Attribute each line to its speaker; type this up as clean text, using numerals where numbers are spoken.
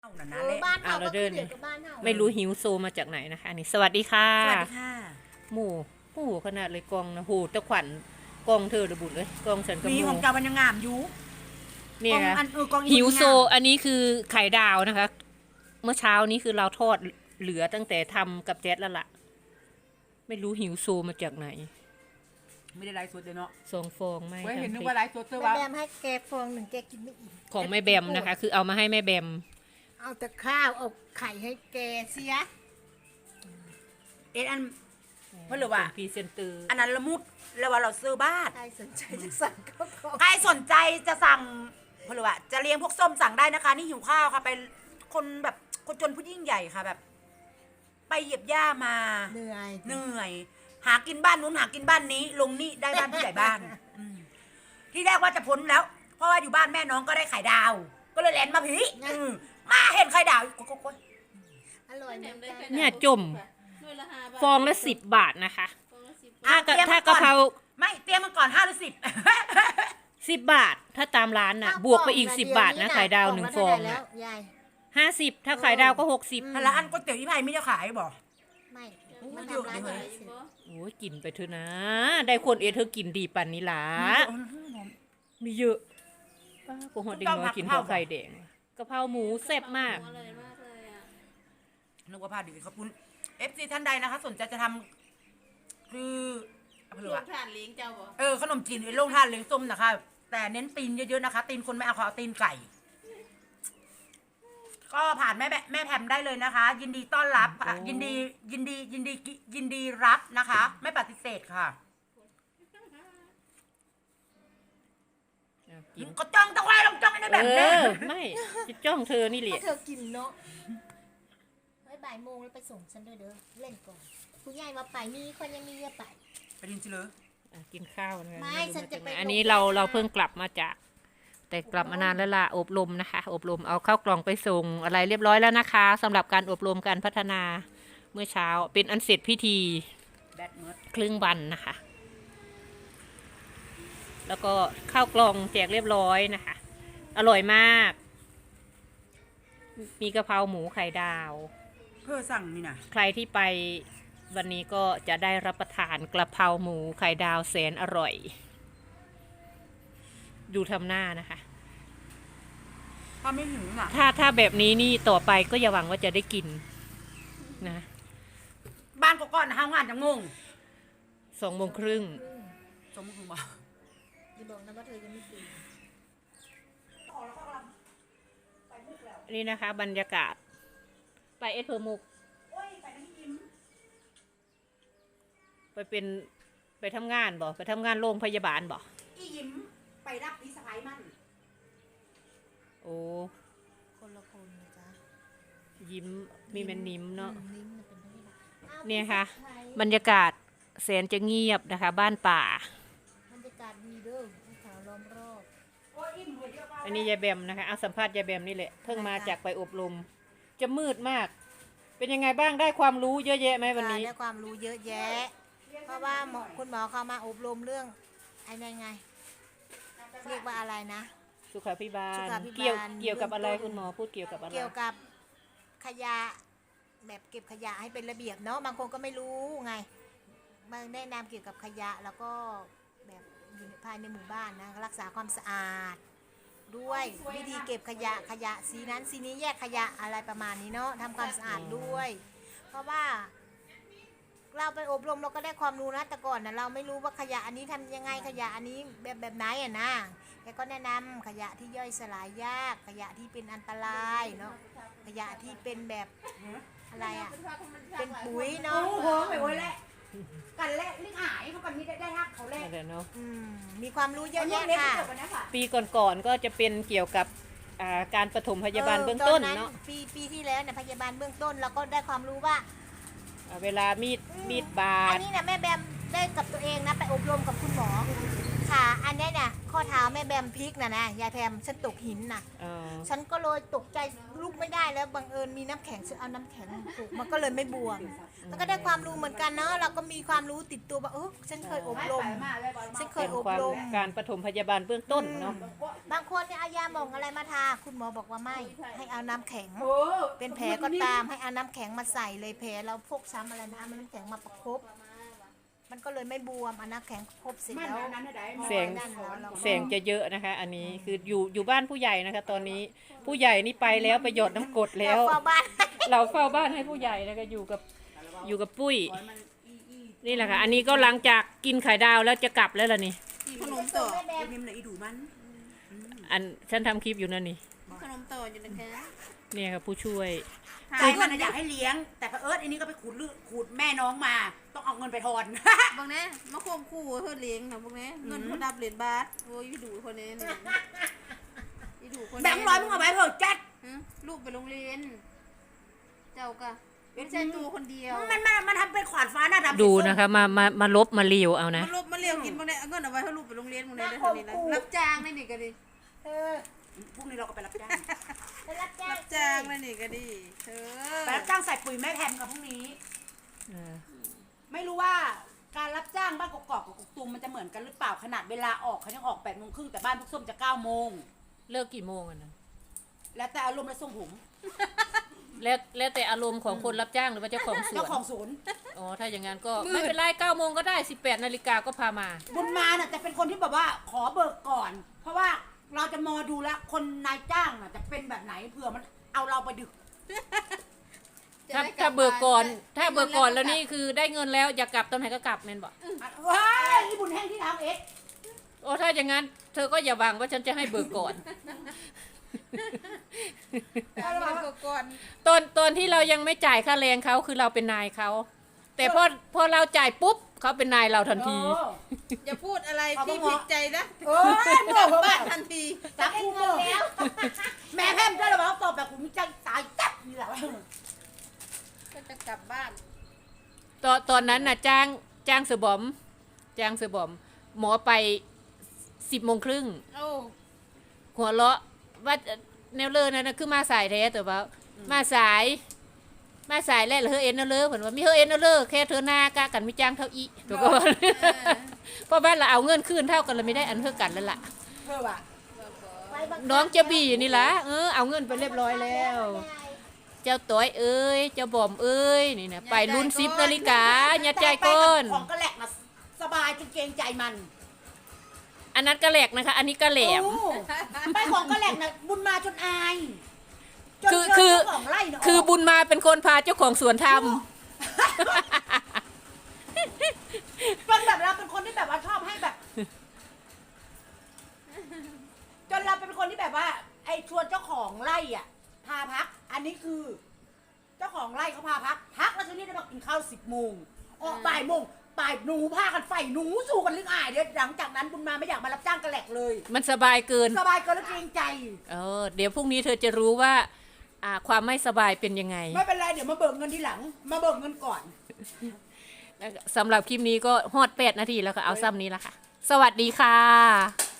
Speaker 1: นั่นนะเลย
Speaker 2: บ้าน
Speaker 3: เรา
Speaker 2: เฮาก็
Speaker 3: เดิ
Speaker 2: คือน เดียวกับบ้านเฮา
Speaker 3: ไม่รู้หิวโซมาจากไหนนะคะนี่สวัสดีค่ะ
Speaker 1: สวัสดีค่ะ
Speaker 3: หมู่ขนาดเลยกองนะโหตะขวัญกองเธอระบุเลยกองฉันกับ
Speaker 1: มี
Speaker 3: ห
Speaker 1: ของ
Speaker 3: มู่
Speaker 1: เจ้าบรรยางามอยู่
Speaker 3: เนี่ย
Speaker 1: กอง
Speaker 3: นะ
Speaker 1: กองอี
Speaker 3: หิวโซ
Speaker 1: บรรยางาม
Speaker 3: อันนี้คือไข่ดาวนะคะ เมื่อเช้านี้คือเราทอดเหลือตั้งแต่ทำกับแจ๊ดแล้วล่ะ ไม่รู้หิวโซมาจากไหน
Speaker 1: ไม่ได้ไลฟ์สดเลยเนาะ
Speaker 3: สองฟองไม่
Speaker 1: เว้ยเห็นนึก
Speaker 3: ทำพริ
Speaker 1: ว่าไลฟ์สดเจอ
Speaker 2: แม่
Speaker 1: ว่า
Speaker 2: แบมให้แกฟองหนึ่งแกกินไม่อิ่ม
Speaker 3: ของแม่แบมนะคะ คือเอามาให้แม่แบม
Speaker 2: เอาแต่ข้าวเอาไข่ให้แกเสีย
Speaker 1: เอ็นอัน เพราะหรือว่า
Speaker 3: เป็นพรีเซนเตอร์
Speaker 1: อันนั้นละมุดแล้วว่าเราซื้อบ้าน
Speaker 2: ใครสนใจจะสั่งก็ขอ
Speaker 1: ใครสนใจจะสั่งเพราะหรือว่าจะเลี้ยงพวกส้มสั่งได้นะคะ นี่หิวข้าวค่ะไปคนแบบคนจนผู้ยิ่งใหญ่ค่ะแบบ ไปเหยียบหญ้ามา
Speaker 2: เหนื่อย
Speaker 1: เหนื่อย หากินบ้านนู้นหากินบ้านนี้ ลงนี่ได้บ้านผู้ใหญ่บ้านอืมที่แรกว่าจะพ้นแล้ว เพราะว่าอยู่บ้านแม่น้องก็ได้ไข่ดาว ก็เลยแลนมาผีมาเห็นไข่ดาวโกย
Speaker 2: อร่อยเหมือนกัน
Speaker 3: เนี่ยจมฟองละ10 บาทนะคะ ถ้ากะ
Speaker 1: เตรียม
Speaker 3: ถ้า
Speaker 1: ก่
Speaker 3: กะ
Speaker 1: อน
Speaker 3: เพรา
Speaker 1: ไม่เตรียมมาก่อน5 หรือ 10
Speaker 3: 10 บาท ถ้าตามร้านน่ะ บวกไปอีก10 บาทนะไข่ดาว1 ฟอง
Speaker 2: แล้
Speaker 3: น่ะ
Speaker 2: วยาย
Speaker 3: 50 ถ้าไข่ดาวก็60
Speaker 1: แล้วอันก๋วยเตี๋ยวที่ไผ่ไม่จะขายบอก
Speaker 2: ไม่
Speaker 1: มั
Speaker 2: มัน
Speaker 1: นเยอะ
Speaker 2: ทำร้าน
Speaker 1: เลย
Speaker 2: เสร็จ
Speaker 3: โอ้ยกินไปเถอะนะ ได้คนเธอกินดีปันนี้ล่ะมีเยอะป้ากูหอดเด็กน้อยกินข้าวไข่แดงกะเพราหมูแซ่บมาก
Speaker 4: อร่อยมากเลยอ่ะ
Speaker 1: นึกว่าพาดีขอบคุณ FC ท่านใดนะคะ สนใจจะทำคือเอาไปเลย
Speaker 4: ลู
Speaker 1: อะ
Speaker 4: กทานเลี้ยงเจ้าบ่
Speaker 1: ขนมจีนโรงทานเลี้ยงส้มนะคะ แต่เน้นตีนเยอะๆนะคะ ตีนคนไม่เอาขอเอาตีนไก่ ก็ผ่านแม่แพมได้เลยนะคะ ยินดีต้อนรับค่ะ
Speaker 3: โอ้
Speaker 1: ยินดีรับนะคะ ไม่ปฏิเสธค่ะ
Speaker 3: กิน
Speaker 1: ก็จ้องตะไคร้ลงจ้องในแบบนี้
Speaker 3: ไม่จะจ้องเธอนี่แห
Speaker 2: ถ้า
Speaker 3: ละ
Speaker 2: เธอกินเนาะไว้บ่ายโมงแล้วไปส่งฉันด้วยเด้อเล่นก่อนคุณยายมาไปมีคนยังมีเยอะไป
Speaker 1: ไปดินสิเลย
Speaker 3: กินข้าวนะคะ
Speaker 2: ไม่ฉันจะไป
Speaker 3: อันนี้เราเพิ่งกลับมาจาก แต่กลับมานานแล้วล่ะอบรมนะคะ อบรมเอาเข้ากล่องไปส่งอะไรเรียบร้อยแล้วนะคะสำหรับการอบรมการพัฒนาเมื่อเช้าเป็นอันเสร็จพิธี
Speaker 1: แบดเมิร์ด
Speaker 3: ครึ่งวันนะคะ แล้วก็ข้าวกล่องแจกเรียบร้อยนะคะ อร่อยมาก มีกะเพราหมูไข่ดาว
Speaker 1: เพื่อสั่งนี่นะ
Speaker 3: ใครที่ไปวันนี้ก็จะได้รับประทานกะเพราหมูไข่ดาวแสนอร่อย ดูทำหน้านะคะ
Speaker 1: ถ้าไม่หิวน่ะ
Speaker 3: ถ้าแบบนี้นี่ต่อไปก็อย่าหวังว่าจะได้กินนะ
Speaker 1: บ้านก็ก่อนนะห้างานจะงง
Speaker 3: 2:30
Speaker 1: สมมติว่า
Speaker 2: อย่าบอกนะว่าเธอยังไม่กิน
Speaker 3: นี่นะคะ บรรยากาศ ไปเอสเพอร์มุก
Speaker 1: โอ้ยไปนั่งยิ้ม
Speaker 3: ไปทำงานบ่ไปทำงานโรงพยาบาลบ่
Speaker 1: อียิ้มไปรับพี่สะพ้ายมั่น
Speaker 3: โอ้
Speaker 2: คนละคนนะจ๊ะ
Speaker 3: ยิ้มมีแม่นนิ้มเนาะ
Speaker 2: ลิ้นมันเป็นเท่าไหร่อ้าว
Speaker 3: เนี่ยค่ะ
Speaker 2: ไทย
Speaker 3: บรรยากาศแสนจะเงียบนะคะ บ้านป่า
Speaker 2: บรรยากาศดีเด้อภูเขาล้อมรอบ
Speaker 1: โอ้ยอิ่มเลยเดียว
Speaker 3: อันนี้ยายแบมนะคะเอาสัมภาษณ์ยายแบมนี่แหละเพิ่งมาจากไปอบรม จะมืดมาก เป็นยังไงบ้างได้ความรู้เยอะแยะไหมวันนี้
Speaker 2: ได้ความรู้เยอะแยะ เพราะว่าคุณหมอเขามาอบรมเรื่องไอ้ไงเรียกว่าอะไรนะ
Speaker 3: สุขาภิบาล
Speaker 2: สุขาภิบาล
Speaker 3: เกี่ยวกับอะไร
Speaker 2: เบื้องต้น
Speaker 3: คุณหมอพูดเกี่ยวกับอะไร
Speaker 2: เกี่ยวกับขยะแบบเก็บขยะให้เป็นระเบียบเนาะบางคนก็ไม่รู้ไงมาแนะนำเกี่ยวกับขยะแล้วก็แบบอยู่ภายในหมู่บ้านนะรักษาความสะอาด ด้วยวิธีเก็บขยะสีนั้นสีนี้แยกขยะอะไรประมาณนี้เนาะทำความสะอาดด้วย เพราะว่าเราไปอบรมเราก็ได้ความรู้นะแต่ก่อนนะเราไม่รู้ว่าขยะอันนี้ทำยังไงขยะอันนี้แบบไหนอ่ะนะแกก็แนะนำขยะที่ย่อยสลายยากขยะที่เป็นอันตรายเนาะขยะที่เป็นแบบอะไรอ่ะเป็นปุ๋ย
Speaker 1: โอ้
Speaker 2: เนาะ
Speaker 1: โหไปโอ้ยแหละกันแหละลิงหายเขากันนี้ได้ฮักเขาแหละ
Speaker 3: นั่นแหละเนาะ
Speaker 2: อืมมีความรู้เยอะแยะค่ะ
Speaker 3: ปีก่อนๆก็จะเป็นเกี่ยวกับการปฐมพยาบาลเบื้องต้นเนาะ
Speaker 2: ปีที่แล้วเนี่ยพยาบาลเบื้องต้นเราก็ได้ความรู้ว่า
Speaker 3: เวลามีดบา
Speaker 2: อั
Speaker 3: ด
Speaker 2: นนี้นะแม่แบมได้กับตัวเองนะไปอบรมกับคุณหมอขาอันเนี้ยเนี่ยข้อเท้าแม่แบมพลิกนะยายแพมฉันตกหินนะ
Speaker 3: อ๋อ
Speaker 2: ฉันก็เลยตกใจลุกไม่ได้แล้วบังเอิญมีน้ำแข็งฉันเอาน้ำแข็งถูกมันก็เลยไม่บวมแล้วก็ได้ความรู้เหมือนกันเนาะเราก็มีความรู้ติดตัวว่าฉันเคยอบรมฉันเคย
Speaker 3: เป็น
Speaker 2: อบ
Speaker 3: ความ
Speaker 2: รม
Speaker 3: การปฐมพยาบาลเบื้องต้นเนาะ
Speaker 2: บางคนเนี่ยเอายาหม่องอะไรมาทาคุณหมอบอกว่าไม่ให้เอาน้ำแข็ง
Speaker 1: โอ้
Speaker 2: เป็นแผลก็ตามให้เอาน้ำแข็งมาใส่เลยแผลเราพกช้ำอะไรนะเอาน้ำแข็งมาประคบมันก็เลยไม่บวมเอาน้ำแข็งประคบเสร็จแล้ว
Speaker 3: แสง
Speaker 2: นั่นแล้วเราก็
Speaker 3: แสงจะเยอะนะคะ อันนี้คืออยู่บ้านผู้ใหญ่นะคะ ตอนนี้ผู้ใหญ่นี่ไปแล้วไปหยดน้ำกรดแล้ว
Speaker 2: เราเฝ้าบ้าน
Speaker 3: เราเฝ้าบ้านให้ผู้ใหญ่นะคะอยู่กับปุ้ยนี่แหละค่ะ อันนี้ก็หลังจากกินไข่ดาวแล้วจะกลับแล้วล่ะนี่
Speaker 4: ขนมต่อ
Speaker 2: แม่แบม
Speaker 1: นิ่มเลยอีดูมัน
Speaker 3: อันฉันทำคลิปอยู่นั่นนี่
Speaker 4: ขนมต่ออยู่นะคะ
Speaker 3: เนี่ยค่ะผู้ช่วย
Speaker 1: ใจมันน่ะอยากให้เลี้ยง แต่พออันนี้ก็ไปขูดแม่น้องมา ต้องเอาเงินไปทอน
Speaker 4: บางแน่มาโคมคู่เธอเลี้ยงนะบางแน่เงินเขาดับเหรียญบาทโอ้ยดูคนนี้นี่ดูคนนี้
Speaker 1: แบงค์ร้อยมึงเอาไว้เถอะจัด
Speaker 4: ลูกไปโรงเรียน เจ้ากะไม่ใช่ตัวคนเดียว
Speaker 1: มันทำเป็นขวานฟ้าหน้าดำ
Speaker 3: ดูนะคะมาลบมาเลียวเอานะ
Speaker 4: มันลบมาเลี้ยงกินบางแน่เอาเงินเอาไว้ให้ลูกไปโรงเรียนบางแน่ได้เท่านี้นะรับจ้างได้นี่ก็ดี
Speaker 2: เออ
Speaker 1: พรุ่งนี้เราก็ไปรับจ้าง
Speaker 2: ไปรับจ้าง
Speaker 4: รับจ้างได้นี่ก็ดีเธอ
Speaker 1: ไปรับจ้างใส่ปุ๋ยแม่แพมกับพรุ่งนี้ ไม่รู้ว่าการรับจ้างบ้านกอกๆกับกกตูมมันจะเหมือนกันหรือเปล่าขนาดเวลาออกเขายังออก8:30แต่บ้านพวกส้มจะ9 โมง
Speaker 3: เลิกกี่โมงอะนะ
Speaker 1: แล้วแต่อารมณ์และทรงผม
Speaker 3: แล้วแต่อารมณ์ของคนรับจ้างหรือว่าเจ้าของสว
Speaker 1: เจ้าน ของศูนย์
Speaker 3: อ๋อถ้าอย่างนั้นก็ไม่เป็นไร9 โมงก็ได้18 นาฬิกาก็พามา
Speaker 1: บุญมาน่ะจะเป็นคนที่แบบว่าขอเบิกก่อน เพราะว่าเราจะมอดูแล้วคนนายจ้างน่ะจะเป็นแบบไหนเผื่อมันเอาเราไปดึก
Speaker 3: ถ้าเบิกก่อนถ้าเบิกก่อนแล้วนี่คือได้เงินแล้วอยากกลับตอนไหนก็กลับแม่นบอก
Speaker 1: ว้ายนี่บุญแห้งที่ทำเอ็ก
Speaker 3: โอ้ถ้าอย่างนั้นเธอก็อย่าหวังว่าฉันจะให้เบิกก่อน
Speaker 4: ก่อน
Speaker 3: ตอนที่เรายังไม่จ่ายค่าแรงเขาคือเราเป็นนายเขาแต่พอเราจ่ายปุ๊บเขาเป็นนายเราทันที
Speaker 4: อย่าพูดอะไรที่ผิดใจนะ
Speaker 1: เออเมื่อผม
Speaker 4: บ้า
Speaker 1: ว่าน
Speaker 4: ทันที
Speaker 1: จับกูเมื่อแล้วแม่แพมได้หรือเปล่าตอบแบบกูมีใจตายจับนี่แหละ
Speaker 4: ก็จะกลับบ้าน
Speaker 3: ตอนนั้นน่ะจ้างเสือบอมหมอไป10:30
Speaker 4: โอ้
Speaker 3: หัวเราะว่าแนวเลอนั่นนะคือมาสายแท้แต่ว่ามาสายแล้วเฮอเอ็นเนอเลอเหมือนว่ามีเฮอเอ็นเนอเลอแค่เธอหน้ากะกันไม่จ้างเท่าอีถูกก็ว่าเพราะบ้านเราเอาเงินคืนเท่ากันเราไม่ได้อันเท่ากันแล้วล่ะ
Speaker 1: เพื่อว่ะ
Speaker 2: ไว้บัคับ
Speaker 3: น้องจะบีนี่ล่ะเอาเงินไปเรียบร้อยแล้ว เจ้าต้อยเอ้ยเจ้าบอมเอ้ยนี่นะไปรุ่น10 นาฬิกาอย่าใจก้น
Speaker 1: ของกระแหลกนะสบายจนเกรงใจมัน
Speaker 3: อันนั้นกระแหลกนะคะ อันนี้กระแหลม
Speaker 1: โอ้ไปของกระแหลกนะบุญมาจนอายจน
Speaker 3: คือ
Speaker 1: เจ้าของไร่น่ะ
Speaker 3: คือบุญมาเป็นคนพาเจ้าของสวนท
Speaker 1: เป็นแบบเราเป็นคนที่แบบว่าชอบให้แบบ จนเราเป็นคนที่แบบว่า ไอ้ชวนเจ้าของไร่อ่ะ พาพัก อันนี้คือ เจ้าของไร่เขาพาพักแล้วทีนี้ได้มากินข้าว10 โมงออกบ่ายโมงบ่ายหนูพากันไฟหนูสู้กันลึกอายเดี๋ยวหลังจากนั้นบุญมาไม่อยากมารับจ้างกระแหลกเลย
Speaker 3: ำมันสบายเกิน
Speaker 1: สบายเกินแล้วเกรงใจ
Speaker 3: เดี๋ยวพรุ่งนี้เธอจะรู้ว่าความไม่สบายเป็นยังไง
Speaker 1: ไม่เป็นไรเดี๋ยวมาเบิกเงินทีหลัง มาเบิกเงินก่อน
Speaker 3: สำหรับคลิปนี้ก็ฮอด8 นาทีแล้วก็เอาซ้ำนี้ละค่ะ สวัสดีค่ะ